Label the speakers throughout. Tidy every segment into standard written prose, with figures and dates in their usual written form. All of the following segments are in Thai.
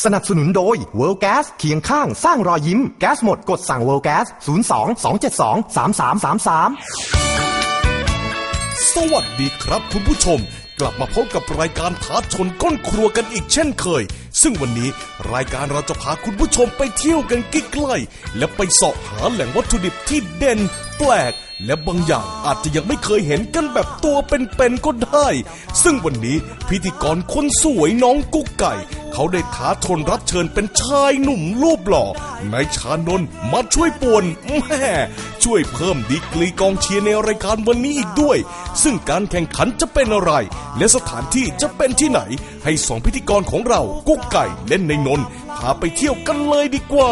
Speaker 1: สนับสนุนโดย World Gas เคียงข้างสร้างรอยยิ้มแก๊สหมดกดสั่ง World Gas 02-272-3333
Speaker 2: สวัสดีครับคุณผู้ชมกลับมาพบกับรายการท้าชนก้นครัวกันอีกเช่นเคยซึ่งวันนี้รายการเราจะพาคุณผู้ชมไปเที่ยวกันใกล้ๆและไปเสาะหาแหล่งวัตถุดิบที่เด่นแปลกและบางอย่างอาจจะยังไม่เคยเห็นกันแบบตัวเป็นๆก็ได้ซึ่งวันนี้พิธีกรคนสวยน้องกุ๊กไก่เขาได้ท้าชนรับเชิญเป็นชายหนุ่มรูปหล่อนายชานนท์มาช่วยป่วนแม่ช่วยเพิ่มดีกรีกองเชียร์ในรายการวันนี้อีกด้วยซึ่งการแข่งขันจะเป็นอะไรและสถานที่จะเป็นที่ไหนให้สองพิธีกรของเรากุ๊กไก่เล่นในนนท์พาไปเที่ยวกันเลยดีกว่า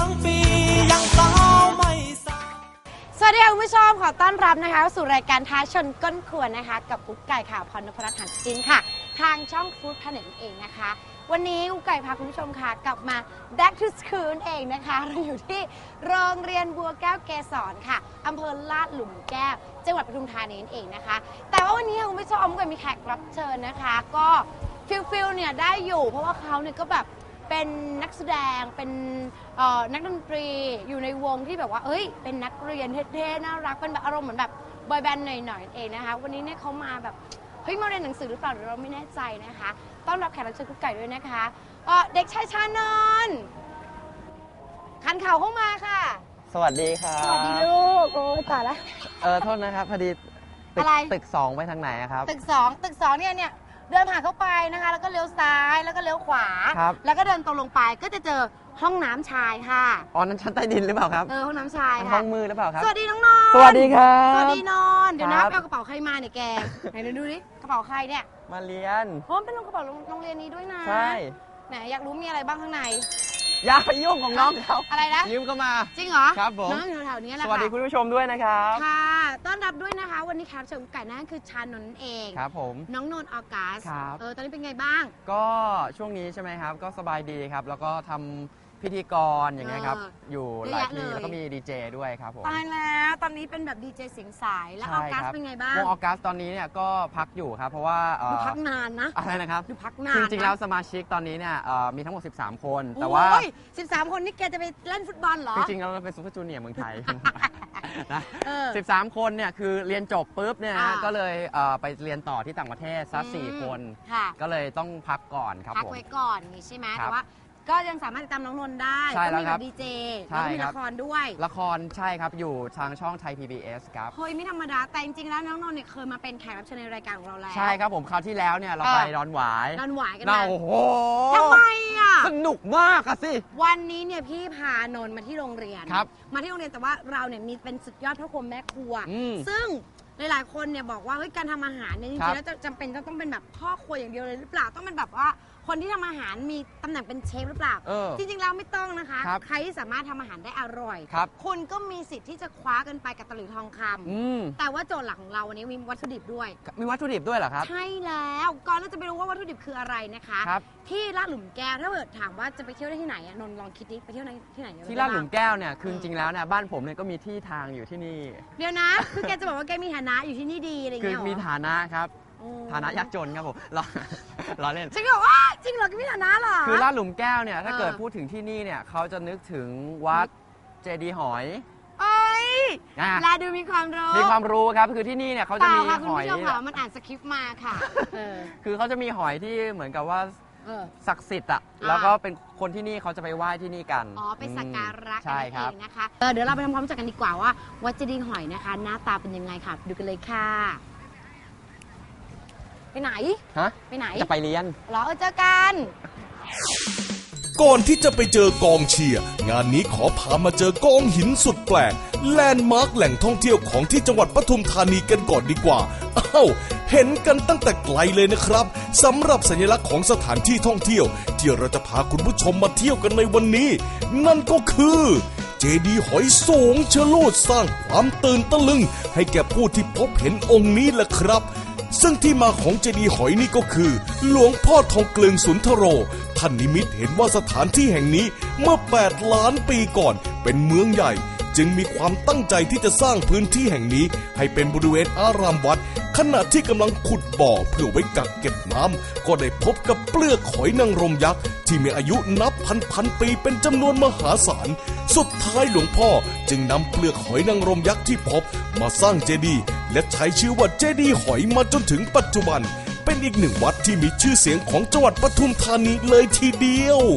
Speaker 3: สวัสดีค่ะคุณผู้ชมขอต้อนรับนะคะสู่รายการท้าชนก้นครัวนะคะกับกุ๊กไก่ค่ะพรณพรัตน์ หันจินค่ะทางช่องฟู้ดแพลเน็ตเองนะคะวันนี้กุ๊กไก่พาคุณผู้ชมค่ะกลับมา Back to School เองนะคะเราอยู่ที่โรงเรียนบัวแก้วเกษรค่ะอำเภอลาดหลุมแก้วจังหวัดปทุมธานีเองนะคะแต่ว่าวันนี้คุณผู้ชมกุ๊กไก่มีแขกรับเชิญนะคะก็ฟิลเนี่ยได้อยู่เพราะว่าเขาเนี่ยก็แบบเป็นนักแสดงเป็นนักดนตรีอยู่ในวงที่แบบว่าเอ้ยเป็นนักเรียนเท่ๆน่ารักเป็นแบบอารมณ์เหมือนแบบบอยแบนด์หน่อยๆเองนะคะวันนี้เนี่ยเขามาแบบเฮ้ยมาเรียนหนังสือหรือเปล่าหรือเราไม่แน่ใจนะคะต้อนรับแขกรับเชิญกุ๊กไก่ด้วยนะคะเด็กชายชานนท์คันเข่าเข้ามาค่ะ
Speaker 4: สวัสดีครับ
Speaker 3: สวัสดีลูกโอ้ยตายละ
Speaker 4: โทษนะครับพอดีตึก2ไปทางไหนครับ
Speaker 3: ตึก2เนี่ยเดินผ่านเข้าไปนะคะแล้วก็เลี้ยวซ้ายแล้วก็เลี้ยวขวาแล้วก็เดินตรงลงไปก็จะเจอห้องน้ำชายค่ะ
Speaker 4: อ๋อนั้นชั้นใต้ดินหรือเปล่าครับ
Speaker 3: ห้องน้ำชายค่ะ
Speaker 4: ห้องมือหรือเปล่าครับ
Speaker 3: สวัสดีน้องนนท์
Speaker 4: สวัสดีครับ
Speaker 3: สวัสดีนนท์เดี๋ยวนะเอากระเป๋าใครมาเนี่ยแกไหนดูดิกระเป๋าใครเนี่ย
Speaker 4: มาเรียน
Speaker 3: เพราะมันเป็นกระเป๋าโรงเรียนนี้ด้วยนะ
Speaker 4: ใช่
Speaker 3: ไหนอยากรู้มีอะไรบ้างข้างใน
Speaker 4: อย่าไปยุ่งของน้องเขา
Speaker 3: อะไรนะ
Speaker 4: ยืมเข้ามา
Speaker 3: จริงเหรอ
Speaker 4: ครับผม
Speaker 3: น้องอยู่แถวนี้แหละ
Speaker 4: สวัสดีคุณผู้ชมด้วยนะครับ
Speaker 3: ค่ะต้อนรับด้วยนะคะวันนี้แขกรับเชิญไก่นั่นคือชานนท์เอง
Speaker 4: ครับผม
Speaker 3: น้องนนท์ออกัส
Speaker 4: ครับ
Speaker 3: ตอนนี้เป็นไงบ้าง
Speaker 4: ก็ช่วงนี้ใช่ไหมครับก็สบายดีครับแล้วก็ทำพิธีกรอย่างเงี้ยครับอยู่หลายที่แล้วก็มีดีเจด้วยครับผม
Speaker 3: ตายแล้วตอนนี้เป็นแบบดีเจเสียงสายแล้วออกัสเป็นไงบ้าง
Speaker 4: วงออกัสตอนนี้เนี่ยก็พักอยู่ครับเพราะว่า
Speaker 3: พักนานนะ
Speaker 4: อะไรนะครับ
Speaker 3: พักนาน
Speaker 4: จริงๆแล้วสมาชิกตอนนี้เนี่ยมีทั้งหมด13คนแต่ว่า
Speaker 3: 13คนนี่แกจะไปเล่นฟุตบอลเหรอ
Speaker 4: จริงๆเราเป็นซุปเปอร์จูเนียร์เมืองไทยนะ13คนเนี่ยคือเรียนจบปุ๊บเนี่ยก็เลยไปเรียนต่อที่ต่างประเทศซะ4คนก็เลยต้องพักก่อนครับผม
Speaker 3: พักไว้ก่อนนี่ใช่ไหมแต่ว่าก็ยังสามารถติดตามน้องนนท์ได้ก็มีแบบดีเจแล้วก็มีละครด้วย
Speaker 4: ละครใช่ครับอยู่ทางช่องไทย PBS ครับ
Speaker 3: เฮ้ยไม่ธรรมดาแต่จริงๆแล้วน้องนนท์เนี่ยเคยมาเป็นแขกรับเชิญในรายการของเราแล้ว
Speaker 4: ใช่ครับผมคราวที่แล้วเนี่ยเราไปดอนหวาย
Speaker 3: กันนะ
Speaker 4: โอ้โห
Speaker 3: ทำไมอ่ะ
Speaker 4: สนุกมากอะสิ
Speaker 3: วันนี้เนี่ยพี่พานนท์มาที่โรงเรียนมาที่โรงเรียนแต่ว่าเราเนี่ยมีเป็นสุดยอดพ่อครัวแม่ครัวซึ่งหลายๆคนเนี่ยบอกว่าเฮ้ยการทำอาหารเนี่ยจริงๆแล้วจำเป็นต้องเป็นแบบพ่อครัวอย่างเดียวเลยหรือเปล่าต้องเป็นแบบว่าคนที่ทำอาหารมีตำแหน่งเป็นเชฟหรือเปล่าจริงๆแล้วไม่ต้องนะคะใครที่สามารถทำอาหารได้อร่อยคุณก็มีสิทธิ์ที่จะคว้ากันไปกับตะหลิวทองคำแต่ว่าโจทย์หลักของเราวันนี้มีวัตถุดิบด้วย
Speaker 4: มีวัตถุดิบด้วยเหรอครับ
Speaker 3: ใช่แล้วก่อนเราจะไปรู้ว่าวัตถุดิบคืออะไรนะคะที่ลาดหลุมแก้วถ้าเกิดถามว่าจะไปเที่ยวได้ที่ไหนนนท์ลองคิดดิไปเที่ยวที่ไหน
Speaker 4: ที่ลาดหลุมแก้วเนี่ยคือจริงๆแล้วเนี่ยบ้านผมเนี่ยก็มีที่ทางอยู่ที่นี่
Speaker 3: เดี๋ยวนะคือแกจะบอกว่าแกมีฐานะอยู่ที่นี่ดีอะไรเงี้ย
Speaker 4: คือมีฐานะครับฐานะยากจนครับผมล้อเล่น
Speaker 3: จริงเหรอว่าจริงเหรอก็มีฐานะเหรอ
Speaker 4: คือลาดหลุมแก้วเนี่ยถ้าเกิดพูดถึงที่นี่เนี่ยเขาจะนึกถึงวัดเจดีย์หอย
Speaker 3: เอ้ยลาดูมีความ
Speaker 4: รู้ครับคือที่นี่เนี่ยเขาจะมีหอย
Speaker 3: มันอ่านสคริปต์มาค่ะ
Speaker 4: คือเขาจะมีหอยที่เหมือนกับว่าศักดิ์สิทธิ์อ่ะแล้วก็เป็นคนที่นี่เขาจะไปไหว้ที่นี่กัน
Speaker 3: ไปสักการะกันเองนะคะเดี๋ยวเราไปทำความรู้จักกันดีกว่าว่าวัดเจดีย์หอยนะคะหน้าตาเป็นยังไงค่ะดูกันเลยค่ะไปไหนไปไหน
Speaker 4: จะไปเรียน
Speaker 3: เหรอเจอกัน
Speaker 2: ก่อนที่จะไปเจอกองเชียร์งานนี้ขอพามาเจอกองหินสุดแปลกแลนด์มาร์คแหล่งท่องเที่ยวของที่จังหวัดปทุมธานีกันก่อนดีกว่าเห็นกันตั้งแต่ไกลเลยนะครับสำหรับสัญลักษณ์ของสถานที่ท่องเที่ยวที่เราจะพาคุณผู้ชมมาเที่ยวกันในวันนี้นั่นก็คือเจดีย์หอยสูงชะโลดสร้างความตื่นตะลึงให้แก่ผู้ที่พบเห็นองค์นี้แหละครับซึ่งที่มาของเจดีย์หอยนี่ก็คือหลวงพ่อทองเกลึงสุนทโรท่านนิมิตเห็นว่าสถานที่แห่งนี้เมื่อ8 ล้านปีก่อนเป็นเมืองใหญ่จึงมีความตั้งใจที่จะสร้างพื้นที่แห่งนี้ให้เป็นบริเวณอารามวัดขณะที่กำลังขุดบ่อเพื่อไว้กักเก็บน้ำก็ได้พบกับเปลือกหอยนางรมยักษ์ที่มีอายุนับพันปีเป็นจำนวนมหาศาลสุดท้ายหลวงพ่อจึงนำเปลือกหอยนางรมยักษ์ที่พบมาสร้างเจดีย์และใช้ชื่อว่าเจดีย์หอยมาจนถึงปัจจุบันเป็นอีกหนึ่งวัดที่มีชื่อเสียงของจังหวัดปทุมธานีเลยทีเดียว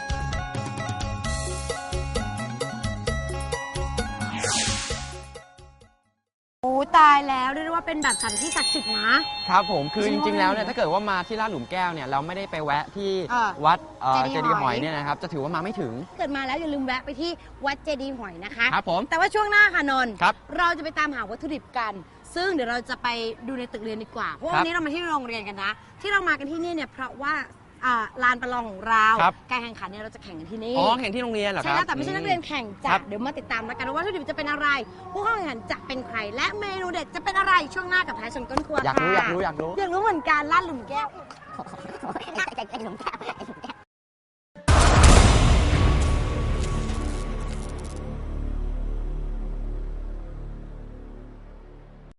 Speaker 3: โอ้ตายแล้วเรียกได้ว่าเป็นแบบสถานที่ศักดิ์สิทธิ์นะครับ
Speaker 4: ผมคือจริงๆแล้วเนี่ยถ้าเกิดว่ามาที่ลาดหลุมแก้วเนี่ยเราไม่ได้ไปแวะที่วัดเจดีย์หอยเนี่ยนะครับจะถือว่ามาไม่ถึง
Speaker 3: เกิดมาแล้วอย่าลืมแวะไปที่วัดเจดีย์หอยนะคะ
Speaker 4: ครับผม
Speaker 3: แต่ว่าช่วงหน้าค่ะนนท์
Speaker 4: ครับ
Speaker 3: เราจะไปตามหาวัตถุดิบกันซึ่งเดี๋ยวเราจะไปดูในตึกเรียนดีกว่าเพราะวันนี้เรามาที่โรงเรียนกันนะที่เรามากันที่นี่เนี่ยเพราะว่าลานประลองของเราการแข่งขันเนี่ยเราจะแข่งกันที่นี่
Speaker 4: แข่งที่โรงเรียนเหรอครับ
Speaker 3: ใช่แล้วแต่ไม่ใช่นักเรียนแข่งจ้ะเดี๋ยวมาติดตามแล้วกันว่าวัตถุดิบจะเป็นอะไรผู้เข้าแข่งขันจะเป็นใครและเมนูเด็ดจะเป็นอะไรช่วงหน้ากับท้ายชนก้นครัวค่ะ
Speaker 4: อยากรู้
Speaker 3: เหมือนกันลาดหลุมแก้ว